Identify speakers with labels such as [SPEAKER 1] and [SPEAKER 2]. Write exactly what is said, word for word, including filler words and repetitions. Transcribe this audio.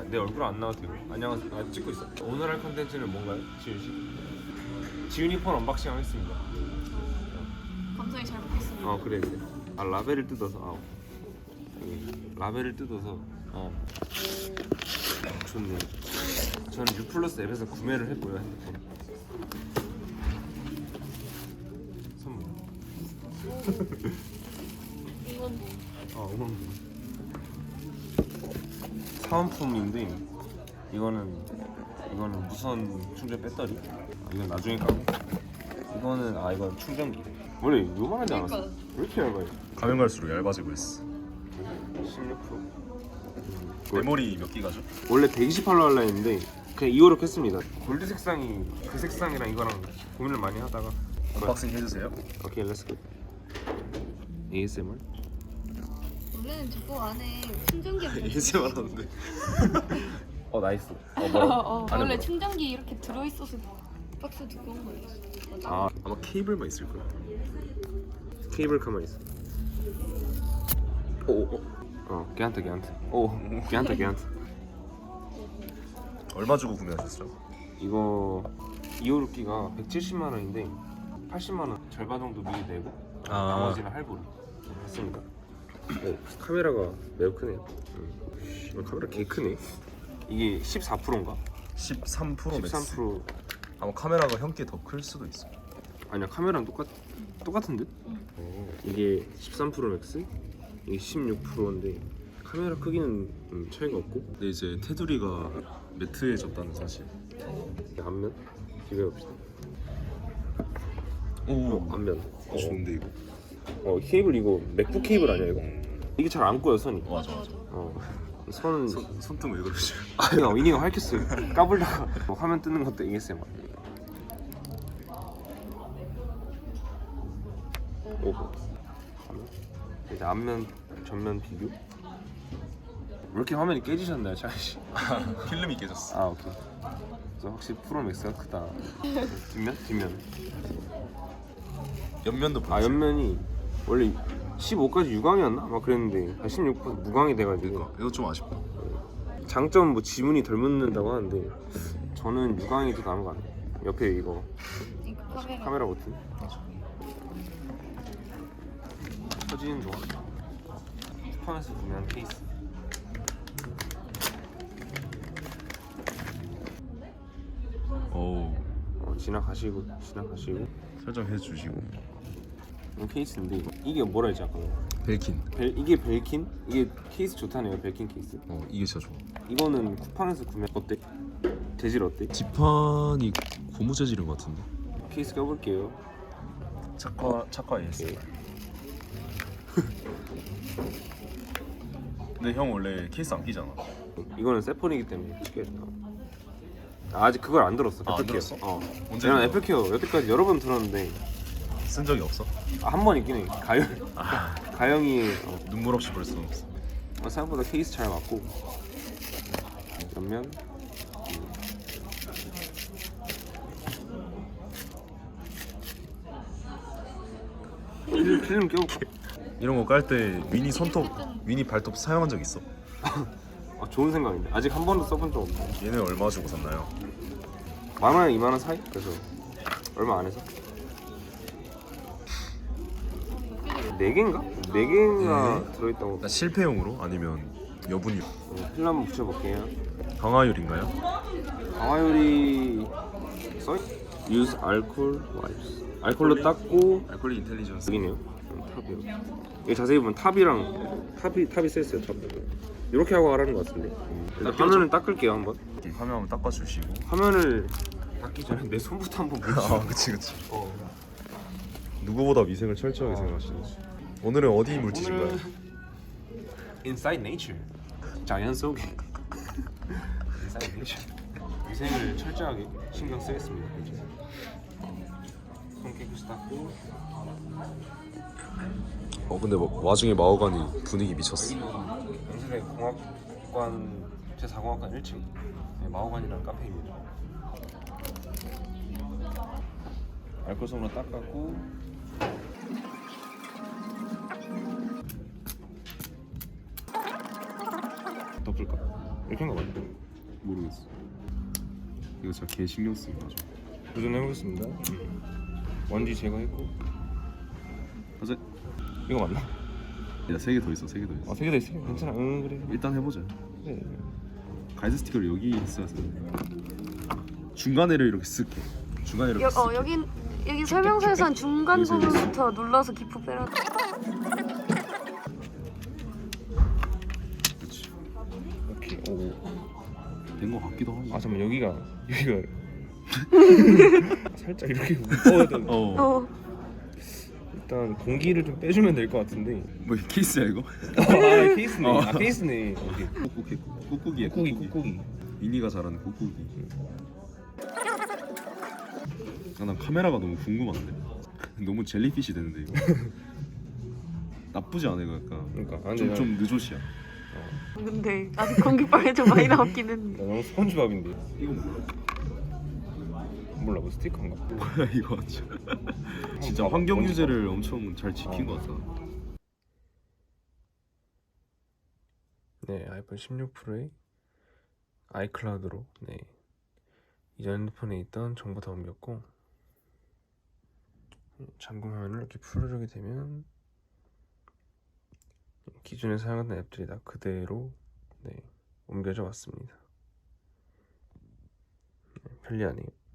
[SPEAKER 1] 내 얼굴 안 나와도 되고. 안녕하세요. 아, 찍고 있어. 오늘 할 컨텐츠는 뭔가요? 지윤 씨? 지윤이 폰 언박싱 하겠습니다.
[SPEAKER 2] 감사히 잘 먹겠습니다.
[SPEAKER 1] 어 그래 그래. 아 라벨을 뜯어서 아 예, 라벨을 뜯어서 어 좋네. 저는 유플러스 앱에서 구매를 했고요 핸드폰. 선물.
[SPEAKER 2] 이건 뭐?
[SPEAKER 1] 어 응원. 사은품인데 이거는 이거는 무선 충전 배터리. 아, 이건 나중에 까고. 이거는 아 이건 충전기. 원래 요만하지 않았어?
[SPEAKER 2] 그러니까.
[SPEAKER 1] 왜 이렇게 얇아요?
[SPEAKER 3] 가면 갈수록 얇아지고 있어.
[SPEAKER 1] 십육 퍼센트.
[SPEAKER 3] 메모리 몇 기가죠?
[SPEAKER 1] 원래 백이십팔로 하려 했는데 그냥 이거로 켰습니다. 골드 색상이 그 색상이랑 이거랑 고민을 많이 하다가
[SPEAKER 3] 언박싱 해주세요.
[SPEAKER 1] 오케이 렛츠고. 에이에스엠알?
[SPEAKER 2] 원래는 저거 안에 충전기
[SPEAKER 3] 예세 말하는데.
[SPEAKER 1] 어 나이스. 어
[SPEAKER 2] 어,
[SPEAKER 1] 뭐라?
[SPEAKER 2] 어,
[SPEAKER 1] 안에
[SPEAKER 2] 원래
[SPEAKER 1] 뭐라?
[SPEAKER 2] 충전기 이렇게 들어있어서 박스 두꺼운 거예요. 맞아.
[SPEAKER 1] 아
[SPEAKER 3] 아마 케이블만 있을 거야.
[SPEAKER 1] 케이블 가만 있어. 오오 어 걔한테 걔한테 오 걔한테 걔한테
[SPEAKER 3] 얼마 주고 구매하셨죠?
[SPEAKER 1] 이거 이오루키가 백칠십만 원인데 팔십만 원 절반 정도 미리 내고
[SPEAKER 3] 아.
[SPEAKER 1] 나머지는 할부로 했습니다. 어, 카메라가 매우 크네요. 음. 카메라 개 크네. 이게 십사 퍼센트인가?
[SPEAKER 3] 십삼 프로 맥스.
[SPEAKER 1] 십삼 퍼센트
[SPEAKER 3] 아마 카메라가 형께 더 클 수도 있어.
[SPEAKER 1] 아니야 카메라랑 똑같 똑같은 듯?
[SPEAKER 2] 응.
[SPEAKER 1] 어, 이게 십삼 퍼센트 맥스, 이게 십육 퍼센트인데 카메라 크기는 음, 차이가 없고.
[SPEAKER 3] 근데 이제 테두리가 매트해졌다는 사실.
[SPEAKER 1] 앞면 비교해봅시다.
[SPEAKER 3] 오,
[SPEAKER 1] 어, 앞면.
[SPEAKER 3] 어, 좋은데 이거.
[SPEAKER 1] 어 케이블 이거 맥북 케이블 아니야 이거? 이게 잘 안 꺼요 선이.
[SPEAKER 3] 맞아 맞아.
[SPEAKER 1] 어 선은
[SPEAKER 3] 손, 손등 왜 그러지?
[SPEAKER 1] 아니야 위니가 밝혔어요. 까불다가 뭐 화면 뜨는 것도 에이에스엠알. 오 화면 이제 앞면 전면 비교. 왜 이렇게 화면이 깨지셨나요 차이씨?
[SPEAKER 3] 필름이 깨졌어.
[SPEAKER 1] 아 오케이. 그래서 확실히 프로맥스가 크다. 뒷면? 뒷면.
[SPEAKER 3] 옆면도
[SPEAKER 1] 아
[SPEAKER 3] 보여줘.
[SPEAKER 1] 옆면이 원래 십오까지 유광이었나? 막 그랬는데 한 십육 퍼센트 무광이 돼가지고.
[SPEAKER 3] 그러니까 이거 좀 아쉽다.
[SPEAKER 1] 장점 뭐 지문이 덜 묻는다고 하는데 저는 유광이 더 나은 거 같아요. 옆에 이거
[SPEAKER 2] 이거 카메라.
[SPEAKER 1] 카메라 버튼. 터지는 좋아. 쿠팡에서 구매한 케이스.
[SPEAKER 3] 오,
[SPEAKER 1] 어, 지나가시고 지나가시고
[SPEAKER 3] 설정해 주시고.
[SPEAKER 1] 이거 케이스인데 이거. 이게 뭐라 했지 아까?
[SPEAKER 3] 벨킨.
[SPEAKER 1] 벨 이게 벨킨? 이게 케이스 좋다네요 벨킨 케이스.
[SPEAKER 3] 어, 이게 진짜 좋아.
[SPEAKER 1] 이거는 쿠팡에서 구매 어때? 재질 어때?
[SPEAKER 3] 지판이 고무 재질인 것 같은데.
[SPEAKER 1] 케이스 껴볼게요.
[SPEAKER 3] 착화 착화 에이에스.
[SPEAKER 1] 오케이.
[SPEAKER 3] 근데 형 원래 케이스 안 끼잖아.
[SPEAKER 1] 이거는 세폰이기 때문에 쉽게. 아, 아직 그걸 안 들었어.
[SPEAKER 3] 아, 안
[SPEAKER 1] 애플케어.
[SPEAKER 3] 들었어?
[SPEAKER 1] 어.
[SPEAKER 3] 언제
[SPEAKER 1] 내가
[SPEAKER 3] 들어?
[SPEAKER 1] 애플케어 여태까지 여러 번 들었는데
[SPEAKER 3] 쓴 적이 없어?
[SPEAKER 1] 한 번 있긴 해. 가영 가영이 어,
[SPEAKER 3] 눈물 없이 볼 수는 없어.
[SPEAKER 1] 어, 생각보다 케이스 잘 맞고 옆면 필름, 필름 껴볼게.
[SPEAKER 3] 이런 거 깔 때 위니 손톱, 위니 발톱 사용한 적 있어?
[SPEAKER 1] 아, 좋은 생각인데 아직 한 번도 써본 적 없네.
[SPEAKER 3] 얘는 얼마 주고 샀나요?
[SPEAKER 1] 만 원에 이만 원 사이? 그래서 얼마 안 해서 네 개인가? 네 개가
[SPEAKER 3] 네.
[SPEAKER 1] 들어있다고.
[SPEAKER 3] 그러니까 실패용으로 아니면 여분유?
[SPEAKER 1] 어, 필름 한번 붙여볼게요.
[SPEAKER 3] 강화율인가요?
[SPEAKER 1] 강화율이 써있? Use alcohol wipes. 알콜로 닦고
[SPEAKER 3] 알콜리 인텔리전스.
[SPEAKER 1] 여기네요. 음, 탑이요. 여기 자세히 보면 탑이랑 탑이 탑이 써있어요. 탑. 이렇게 하고 하라는 것 같은데. 일단 화면을 닦을게요 한번.
[SPEAKER 3] 화면 한번 닦아주시고.
[SPEAKER 1] 화면을 닦기 전에 내 손부터 한번 보시죠.
[SPEAKER 3] 아, 그치 그치.
[SPEAKER 1] 어.
[SPEAKER 3] 누구보다 위생을 철저하게
[SPEAKER 1] 아.
[SPEAKER 3] 생각하시는지. 오늘은 어디 물티신가요?
[SPEAKER 1] 오늘은 Inside Nature. 자연 속에 Inside Nature. 위생을 철저하게 신경 쓰겠습니다. 이제. 손 깨끗이 닦고.
[SPEAKER 3] 어 근데 뭐, 와중에 마호가니 분위기 미쳤어.
[SPEAKER 1] 여기는 연세대 공학관 제사 공학관 일 층 네, 마호관이라는 카페입니다. 알코올솜으로 닦았고 덮을까? 이렇게 한 거 맞나?
[SPEAKER 3] 모르겠어. 이거 진짜 개 신경 쓰는 거죠.
[SPEAKER 1] 도전해보겠습니다. 먼지 제거했고.
[SPEAKER 3] 가자.
[SPEAKER 1] 이거 맞나?
[SPEAKER 3] 야, 세 개 더 있어. 세 개 더 있어.
[SPEAKER 1] 아, 세 개 다 있어. 괜찮아. 응, 그래.
[SPEAKER 3] 일단 해보자.
[SPEAKER 1] 그래.
[SPEAKER 3] 가이드 스티커를 여기 있어야 돼. 중간에를 이렇게 쓸게. 중간에 이렇게
[SPEAKER 2] 여,
[SPEAKER 3] 쓸게.
[SPEAKER 2] 어 여기 여기 설명서에선 중간
[SPEAKER 3] 여기서, 여기서.
[SPEAKER 2] 부분부터 눌러서 기포 빼라.
[SPEAKER 3] 그렇지.
[SPEAKER 1] 오케이. 오.
[SPEAKER 3] 된 거 같기도 하고.
[SPEAKER 1] 아, 잠깐만. 여기가 여기가 살짝 이렇게 묶어야 되는.
[SPEAKER 3] 어.
[SPEAKER 2] 어.
[SPEAKER 1] 일단 공기를 좀 빼주면 될 것 같은데.
[SPEAKER 3] 뭐 케이스야 이거?
[SPEAKER 1] 아, 케이스네.
[SPEAKER 3] 어.
[SPEAKER 1] 아, 케이스네. 오케이.
[SPEAKER 3] 꾹꾹이 꾹꾹이야.
[SPEAKER 1] 꾹꾹이 꾹꾹이.
[SPEAKER 3] 미니가 잘하는 꾹꾹이. 아, 난 카메라가 너무 궁금한데. 너무 젤리피시 되는데 이거. 나쁘지 않아 이거 약간.
[SPEAKER 1] 그러니까. 아, 근데
[SPEAKER 3] 좀
[SPEAKER 1] 난-
[SPEAKER 3] 좀 늦옷이야.
[SPEAKER 2] 근데 아직 공기빨이 좀 많이 나왔긴 했는데.
[SPEAKER 1] 나 너무 스펀지밥인데.
[SPEAKER 3] 이거 뭐야?
[SPEAKER 1] 몰라, 뭐 스티커인가?
[SPEAKER 3] 뭐야 이거 진짜. 진짜
[SPEAKER 1] 봐봐,
[SPEAKER 3] 환경
[SPEAKER 1] 먼지
[SPEAKER 3] 유지를 엄청 잘 지킨
[SPEAKER 1] 어.
[SPEAKER 3] 것 같아.
[SPEAKER 1] 네, 아이폰 십육 프로의 아이클라우드로 네 이전 핸드폰에 있던 정보 다 옮겼고, 잠금 화면을 이렇게 풀어주게 되면 기존에 사용하던 앱들이 다 그대로 네 옮겨져 왔습니다. 네, 편리하네요.